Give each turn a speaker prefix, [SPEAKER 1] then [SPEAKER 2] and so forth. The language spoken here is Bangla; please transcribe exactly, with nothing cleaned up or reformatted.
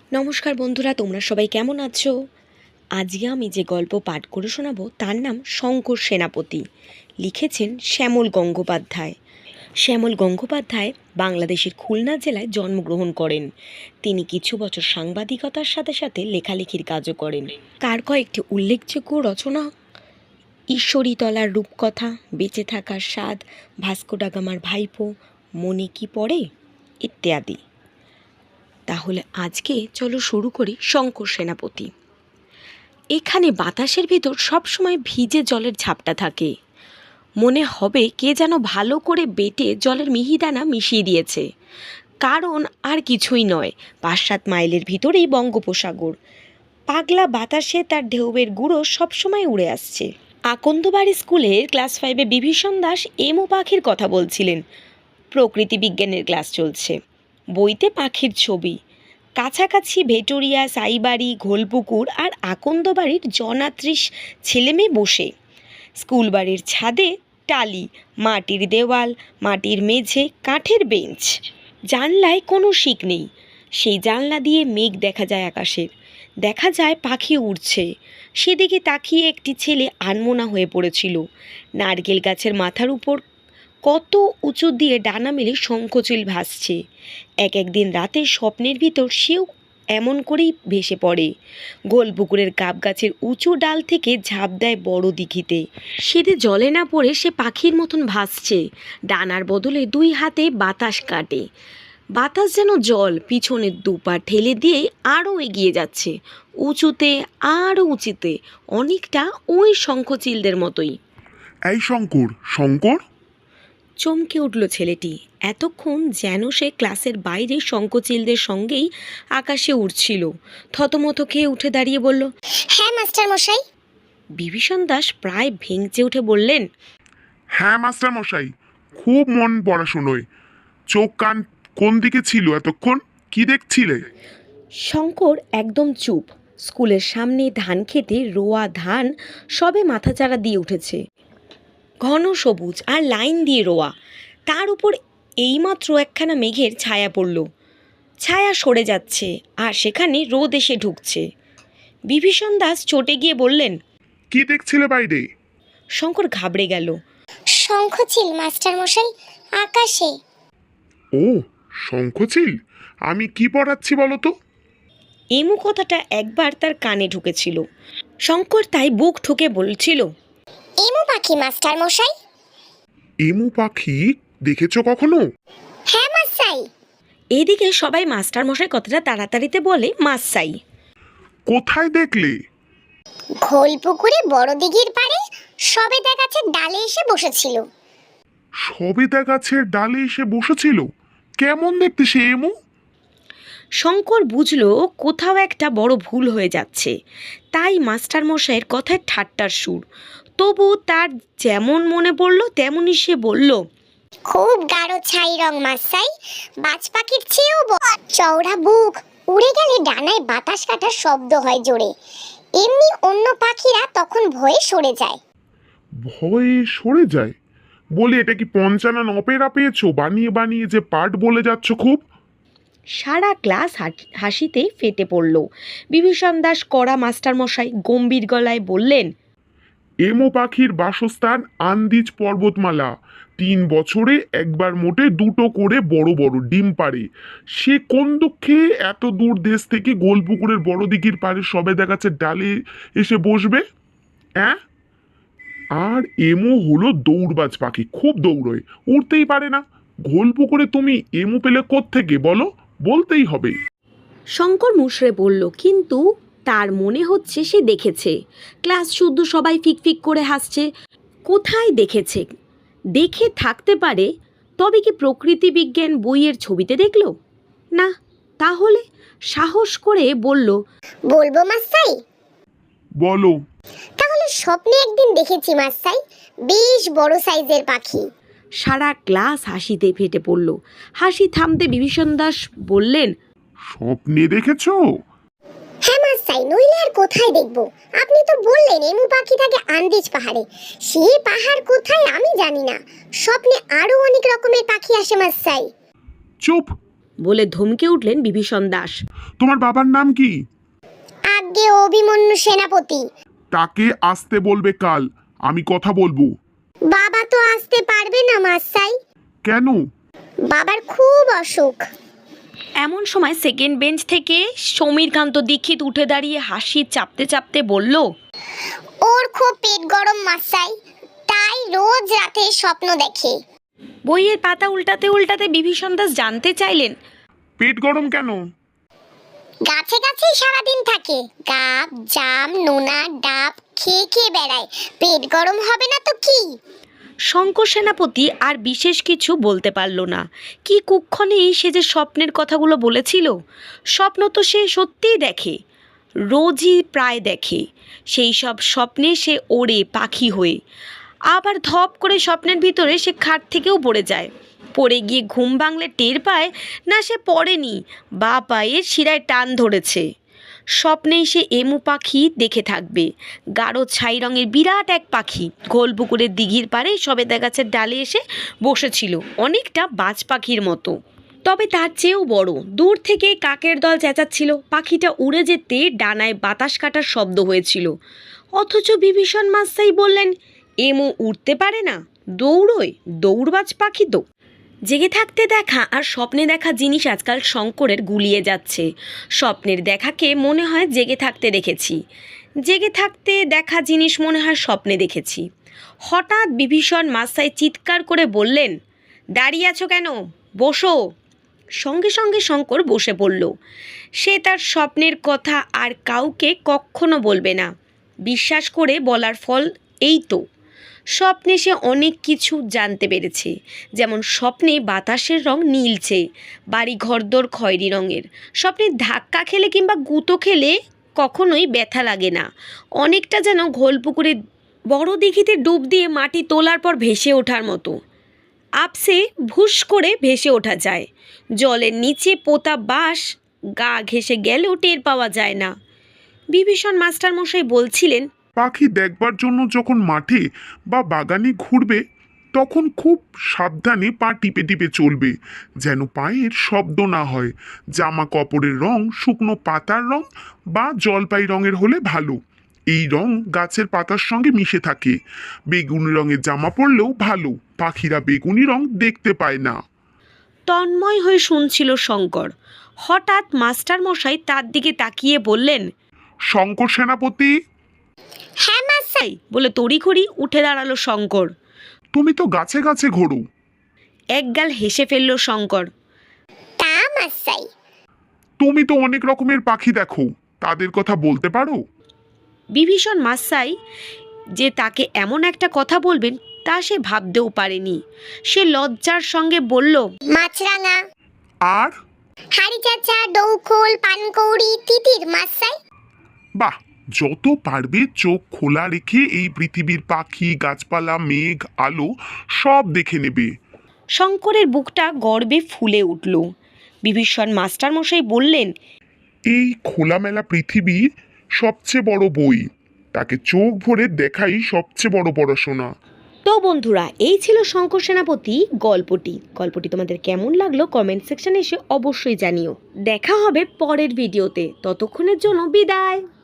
[SPEAKER 1] নমস্কার বন্ধুরা, তোমরা সবাই কেমন আছো? আজকে আমি যে গল্প পাঠ করে শোনাবো তার নাম শঙ্কর সেনাপতি। লিখেছেন শ্যামল গঙ্গোপাধ্যায়। শ্যামল গঙ্গোপাধ্যায় বাংলাদেশের খুলনা জেলায় জন্মগ্রহণ করেন। তিনি কিছু বছর সাংবাদিকতার সাথে সাথে লেখালেখির কাজও করেন। তার কয়েকটি উল্লেখযোগ্য রচনা: ঈশ্বরীতলার রূপকথা, বেঁচে থাকার স্বাদ, ভাস্কো ডা গামার ভাইপো, মনে কি পড়ে ইত্যাদি। তাহলে আজকে চলো শুরু করি শঙ্কর সেনাপতি। এখানে বাতাসের ভিতর সবসময় ভিজে জলের ঝাপটা থাকে। মনে হবে কে যেন ভালো করে বেটে জলের মিহিদানা মিশিয়ে দিয়েছে। কারণ আর কিছুই নয়, পাঁচ সাত মাইলের ভিতরেই বঙ্গোপসাগর। পাগলা বাতাসে তার ঢেউয়ের গুঁড়ো সবসময় উড়ে আসছে। আকন্দবাড়ি স্কুলের ক্লাস ফাইভে বিভীষণ দাস এমু পাখির কথা বলছিলেন। প্রকৃতি বিজ্ঞানের ক্লাস চলছে। বইতে পাখির ছবি। কাছাকাছি ভেটোরিয়া, সাইবাড়ি, ঘোলপুকুর আর আকন্দবাড়ির জনাত্রিশ ছেলেমেয়ে বসে। স্কুল বাড়ির ছাদে টালি, মাটির দেওয়াল, মাটির মেঝে, কাঠের বেঞ্চ। জানলায় কোনো শিক নেই। সেই জানলা দিয়ে মেঘ দেখা যায় আকাশের। দেখা যায় পাখি উড়ছে। সেদিকে তাকিয়ে একটি ছেলে আনমনা হয়ে পড়েছিল। নারকেল গাছের মাথার উপর কত উঁচু দিয়ে ডানা মেলে শঙ্খচিল ভাসছে। এক একদিন রাতে স্বপ্নের ভিতর সেও এমন করেই ভেসে পড়ে। গোলপুকুরের গাব গাছের উঁচু ডাল থেকে ঝাঁপ দেয় বড় দিঘিতে। সেদে জলে না পড়ে সে পাখির মতন ভাসছে। ডানার বদলে দুই হাতে বাতাস কাটে। বাতাস যেন জল পিছনের দুপা ঠেলে দিয়ে আরও এগিয়ে যাচ্ছে, উঁচুতে আরও উঁচুতে, অনেকটা ওই শঙ্খচিলদের মতোই।
[SPEAKER 2] এই শঙ্কর, শঙ্কর!
[SPEAKER 1] চমকে উঠল ছেলেটি। এতক্ষণ যেন সে ক্লাসের বাইরে শঙ্খচিলদের সঙ্গেই আকাশে উড়ছিল। থতমত খেয়ে উঠে দাঁড়িয়ে বলল,
[SPEAKER 3] হ্যাঁ মাস্টার মশাই।
[SPEAKER 1] বিভীষণ দাস প্রায় ভেঙচে উঠে বললেন,
[SPEAKER 2] হ্যাঁ মাস্টার মশাই, খুব মন পড়াশুনোয়। চোখ কান কোন দিকে ছিল এতক্ষণ? কি দেখছিলে?
[SPEAKER 1] শঙ্কর একদম চুপ। স্কুলের সামনে ধান খেতে রোয়া ধান সবে মাথাচাড়া দিয়ে উঠেছে। ঘন সবুজ আর লাইন দিয়ে রোয়া। তার উপর এইমাত্র একখানা মেঘের ছায়া পড়ল। ছায়া সরে যাচ্ছে আর সেখানে রোদ এসে ঢুকছে। বিভীষণ দাস চটে গিয়ে বললেন,
[SPEAKER 2] কি দেখছিলে বাইরে?
[SPEAKER 1] শঙ্কর ঘাবড়ে গেল।
[SPEAKER 3] শঙ্খচিল মাস্টার মশাই, আকাশে।
[SPEAKER 2] ও, শঙ্খচিল? আমি কি পড়াচ্ছি বলো তো?
[SPEAKER 1] এমু কথাটা একবার তার কানে ঢুকেছিল। শঙ্কর তাই বুক ঠুকে বলছিল,
[SPEAKER 3] এমু পাখি মাস্টার মশাই।
[SPEAKER 2] এমু পাখি দেখেছো কখনো?
[SPEAKER 3] হ্যাঁ মাস্টাই।
[SPEAKER 1] এদিকে সবাই মাস্টার মশাই কথাটা তাড়াতাড়িতে বলে মাসাই।
[SPEAKER 2] কোথায় দেখলে?
[SPEAKER 3] ঘোলপুকুরে বড় দিঘির পাড়ে সবেদা গাছের ডালে এসে বসেছিল।
[SPEAKER 2] সবেদা গাছের ডালে এসে বসেছিল? কেমন দেখতে সে এমু?
[SPEAKER 1] শঙ্কর বুঝল কোথাও একটা বড় ভুল হয়ে যাচ্ছে। তাই মাস্টার মশাইয়ের কথায় ঠাট্টার সুর। তবু তার যেমন মনে পড়ল তেমনই সে বলল,
[SPEAKER 3] খুব গাঢ় ছাই রং মাস্টাই, বাজ পাখির চেয়েও বড়। চওড়া বুক, উড়ে গেলে ডানায় বাতাস কাটার শব্দ হয় জোরে। এমনি অন্য পাখিরা তখন ভয়ে সরে যায়।
[SPEAKER 2] ভয়ে সরে যায়? বলি, এটা কি পঞ্চানন অপেরা পেয়েছো? বানিয়ে বানিয়ে যে পাঠ বলে যাচ্ছ খুব।
[SPEAKER 1] সারা ক্লাস হাসিতে ফেটে পড়ল। বিভীষণ দাস কড়া মাস্টার মশাই গম্ভীর গলায় বললেন,
[SPEAKER 2] এমো পাখির বাসস্থান আন্দিজ পর্বতমালা। তিন বছরে একবার মোটে দুটো করে বড় বড় ডিম পাড়ে। সে কোন দুঃখে এত দূর দেশ থেকে গোলপুকুরের বড় দিঘির পাড়ে সবেদা গাছের ডালে এসে বসবে? হ্যাঁ? আর এমো হলো দৌড়বাজ পাখি, খুব দৌড়য়, উড়তেই পারে না। গোলপুকুরে তুমি এমো পেলে কোত্থেকে বলো? বলতেই হবে।
[SPEAKER 1] শঙ্কর মুশড়ে বলল, কিন্তু তার মনে হচ্ছে সে দেখেছে। ক্লাস শুদ্ধ সবাই ফিকফিক করে হাসছে। কোথায় দেখেছে? দেখে থাকতে পারে, তবে কি প্রকৃতি বিজ্ঞান বইয়ের ছবিতে দেখল? না। তাহলে সাহস করে বলল,
[SPEAKER 3] বলবো মাস্টাই?
[SPEAKER 2] বলো।
[SPEAKER 3] তাহলে স্বপ্নে একদিন দেখেছি মাস্টাই, বেশ বড় সাইজের পাখি।
[SPEAKER 1] সারা ক্লাস হাসিতে ফেটে পড়ল। হাসি থামতে বিভীষণ দাস বললেন,
[SPEAKER 2] স্বপ্নে দেখেছো?
[SPEAKER 3] হ্যাঁ মাস্টাই, নইলে আর কোথায় দেখবো? আপনি তো বললেন এমু পাখি থাকে আন্দিজ পাহাড়ে। সেই পাহাড় কোথায় আমি জানি না। স্বপ্নে আরো অনেক রকমের পাখি আসে মাস্টাই।
[SPEAKER 2] চুপ!
[SPEAKER 1] বলে ধমকে উঠলেন বিভীষণ দাস।
[SPEAKER 2] তোমার বাবার নাম কি?
[SPEAKER 3] আজ্ঞে অভিমন্যু সেনাপতি।
[SPEAKER 2] তাকে আসতে বলবে কাল, আমি কথা বলবো।
[SPEAKER 3] বাবা তো আসতে পারবে না মাসাই।
[SPEAKER 2] কেন?
[SPEAKER 3] বাবার খুব অসুখ।
[SPEAKER 1] এমন সময় সেকেন্ড বেঞ্চ থেকে সমীরকান্ত দীক্ষিত উঠে দাঁড়িয়ে হাসি চাপতে চাপতে বলল,
[SPEAKER 3] ওর খুব পেট গরম মাসাই, তাই রোজ রাতে স্বপ্ন দেখে।
[SPEAKER 1] বইয়ের পাতা উল্টাতে উল্টাতে বিভীষণ দাস জানতে চাইলেন,
[SPEAKER 2] পেট গরম কেন?
[SPEAKER 3] গাছে গাছেই সারাদিন থাকে, গাব জাম নোনা ডাব খেয়ে খেয়ে বেড়ায়, পেট গরম হবে না তো কি?
[SPEAKER 1] শঙ্কর সেনাপতি আর বিশেষ কিছু বলতে পারল না। কি কুক্ষণেই সে যে স্বপ্নের কথাগুলো বলেছিল। স্বপ্ন তো সে সত্যিই দেখে, রোজই প্রায় দেখে। সেই সব স্বপ্নে সে ওড়ে পাখি হয়ে, আবার ধপ করে স্বপ্নের ভিতরে সে খাট থেকেও পড়ে যায়। পড়ে গিয়ে ঘুম ভাঙলে টের পায় না সে পড়েনি, বা পায়ের শিরায় টান ধরেছে। স্বপ্নেই সে এমু পাখি দেখে থাকবে, গাঢ় ছাই রঙের বিরাট এক পাখি গোলপুকুরের দিঘির পাড়ে সবেদা গাছের ডালে এসে বসেছিল, অনেকটা বাজ পাখির মতো, তবে তার চেয়েও বড়। দূর থেকে কাকের দল চেঁচাচ্ছিল, পাখিটা উড়ে যেতে ডানায় বাতাস কাটার শব্দ হয়েছিল। অথচ বিভীষণ মাসাই বললেন, এমু উড়তে পারে না, দৌড়োয়, দৌড়বাজ পাখি তো। জেগে থাকতে দেখা আর স্বপ্নে দেখা জিনিস আজকাল শঙ্করের গুলিয়ে যাচ্ছে। স্বপ্নের দেখাকে মনে হয় জেগে থাকতে দেখেছি, জেগে থাকতে দেখা জিনিস মনে হয় স্বপ্নে দেখেছি। হঠাৎ বিভীষণ মাসাই চিৎকার করে বললেন, দাঁড়িয়ে আছো কেন, বসো। সঙ্গে সঙ্গে শঙ্কর বসে পড়ল। সে তার স্বপ্নের কথা আর কাউকে কখনো বলবে না, বিশ্বাস করে বলার ফল এই তো। স্বপ্নে সে অনেক কিছু জানতে পেরেছে, যেমন স্বপ্নে বাতাসের রং নীলচে, বাড়ি ঘরদোর খয়েরি রঙের। স্বপ্নে ধাক্কা খেলে কিংবা গুঁতো খেলে কখনোই ব্যথা লাগে না, অনেকটা যেন ঘোলপুকুরে বড় দিঘিতে ডুব দিয়ে মাটি তোলার পর ভেসে ওঠার মতো। আপসে ভুস করে ভেসে ওঠা যায়, জলের নিচে পোতা বাঁশ গা ঘেঁষে গেলেও টের পাওয়া যায় না। বিভীষণ মাস্টারমশাই বলছিলেন,
[SPEAKER 2] পাখি দেখবার জন্য যখন মাঠে বা বাগানে ঘুরবে তখন খুব সাবধানে পা টিপে টিপে চলবে, যেন পায়ের শব্দ না হয়। জামা কাপড়ের রং শুকনো পাতার রং বা জলপাই রঙের হলে ভালো, এই রং গাছের পাতার সঙ্গে মিশে থাকে। বেগুনি রঙের জামা পরলেও ভালো, পাখিরা বেগুনি রং দেখতে পায় না।
[SPEAKER 1] তন্ময় হয়ে শুনছিল শঙ্কর। হঠাৎ মাস্টারমশাই তার দিকে তাকিয়ে বললেন,
[SPEAKER 2] শঙ্কর সেনাপতি।
[SPEAKER 3] হ্যাঁ মাসাই।
[SPEAKER 1] "এই" বলে তড়িঘড়ি উঠে দাঁড়ালো শঙ্কর।
[SPEAKER 2] তুমি তো গাছে গাছে ঘোরো।
[SPEAKER 1] একগাল হেসে ফেলল শঙ্কর।
[SPEAKER 3] তা মাসাই।
[SPEAKER 2] তুমি তো অনেক রকমের পাখি দেখো, তাদের কথা বলতে পারো?
[SPEAKER 1] বিভীষণ মাসাই যে তাকে এমন একটা কথা বলবেন তা সে ভাবতেও পারেনি। সে লজ্জার সঙ্গে বলল,
[SPEAKER 3] মাছরাঙা,
[SPEAKER 2] আর
[SPEAKER 3] হাড়ি চাচা, ডৌখোল, পানকৌড়ি, তিতির মাসাই।
[SPEAKER 2] বাহ, যত পারবে চোখ খোলা রেখে এই পৃথিবীর পাখি গাছপালা মেঘ আলো সব দেখে নেবে।
[SPEAKER 1] শঙ্করের বুকটা গর্বে ফুলে উঠল। বিভীষণ মাস্টারমশাই বললেন,
[SPEAKER 2] এই খোলামেলা পৃথিবীর সবচেয়ে বড় বই, তাকে চোখ ভরে দেখাই সবচেয়ে বড় পড়াশোনা।
[SPEAKER 1] তো বন্ধুরা, এই ছিল শঙ্কর সেনাপতি গল্পটি। গল্পটি তোমাদের কেমন লাগলো কমেন্ট সেকশনে এসে অবশ্যই জানিও। দেখা হবে পরের ভিডিওতে, ততক্ষণের জন্য বিদায়।